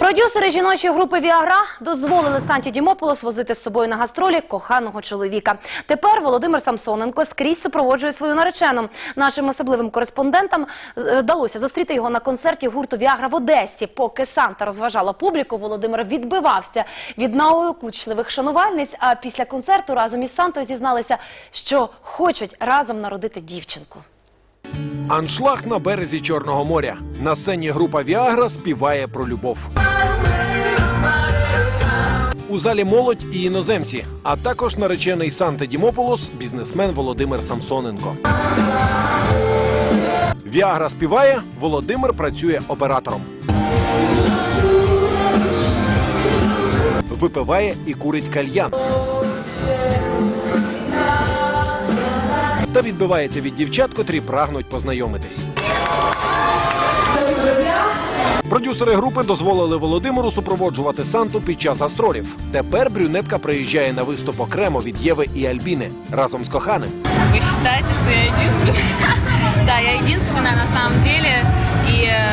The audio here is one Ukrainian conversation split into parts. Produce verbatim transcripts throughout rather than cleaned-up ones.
Продюсери жіночої групи «Віагра» дозволили Санті Дімополос возити з собою на гастролі коханого чоловіка. Тепер Володимир Самсоненко скрізь супроводжує свою наречену. Нашим особливим кореспондентам вдалося зустріти його на концерті гурту «Віагра» в Одесі. Поки Санта розважала публіку, Володимир відбивався від наокучливих шанувальниць, а після концерту разом із Сантою зізналися, що хочуть разом народити дівчинку. Аншлаг на березі Чорного моря. На сцені група «Віагра» співає про любов. У залі молодь і іноземці, а також наречений Санта Дімополос, бізнесмен Володимир Самсоненко. «Віагра» співає, Володимир працює оператором. Випиває і курить кальян. Та відбивається від дівчат, котрі прагнуть познайомитись. Продюсери групи дозволили Володимиру супроводжувати Санту під час гастролів. Тепер брюнетка приїжджає на виступ окремо від Єви і Альбіни разом з коханим. Ви вважаєте, що я єдинственна? Так, я єдинственна на самом деле. І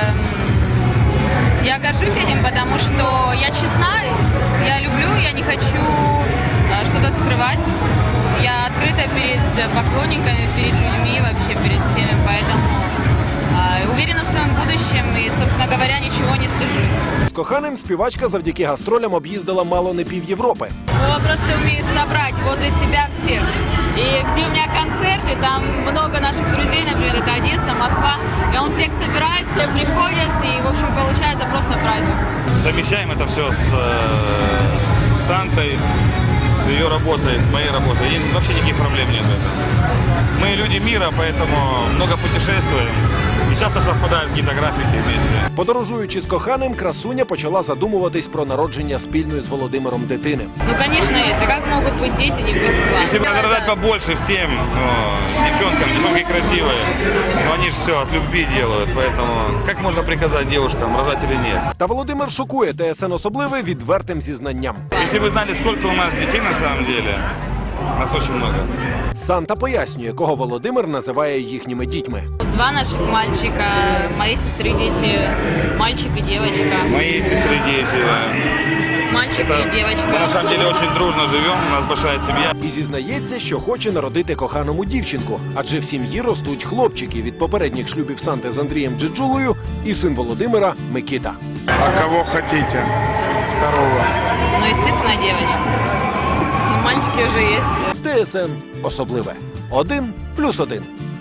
я горжусь этим, потому что я честна, я люблю, я не хочу что-то скрывать. Я открыта перед поклонниками, перед людьми, вообще перед всеми, поэтому э, уверена в своем будущем и, собственно говоря, ничего не стыжусь. З коханим співачка завдяки гастролям об'їздила мало не пів Європи. Он просто умеет собрать возле себя всех. И где у меня концерты, там много наших друзей, например, это Одесса, Москва, и он всех собирает, все приходят, и, в общем, получается просто праздник. Совмещаем это все с э, Сантой, с ее работой, с моей работой. И вообще никаких проблем нет в этом. Мы люди мира, поэтому много путешествуем. І часто совпадають якісь графіки вместе. Подорожуючи з коханим, красуня почала задумуватись про народження спільної з Володимиром дитини. Ну, конечно, есть. А как могут быть дети, не быть в Если бы надо рожать побольше всем, ну, девчонкам, девчонки красивые, но они же все от любви делают, поэтому как можно приказать девушкам, рожать или нет? Та Володимир шокує ТСН особливе відвертим зізнанням. Если вы знали, сколько у нас детей на самом деле, нас очень много. Санта пояснює, кого Володимир називає їхніми дітьми. Два наших мальчика, моей сестры дети, мальчик и девочка. Мои сестры, дети. Мальчик Это, и девочка. Мы на самом деле очень дружно живем, у нас большая семья. І зізнається, що хоче народити коханому дівчинку, адже в сім'ї ростуть хлопчики від попередніх шлюбів Санти з Андрієм Джеджулою і син Володимира Микита. А кого хотите? Второго. Ну, естественно, девочка. Ну, мальчики уже есть. ТСН особливе. Один плюс один.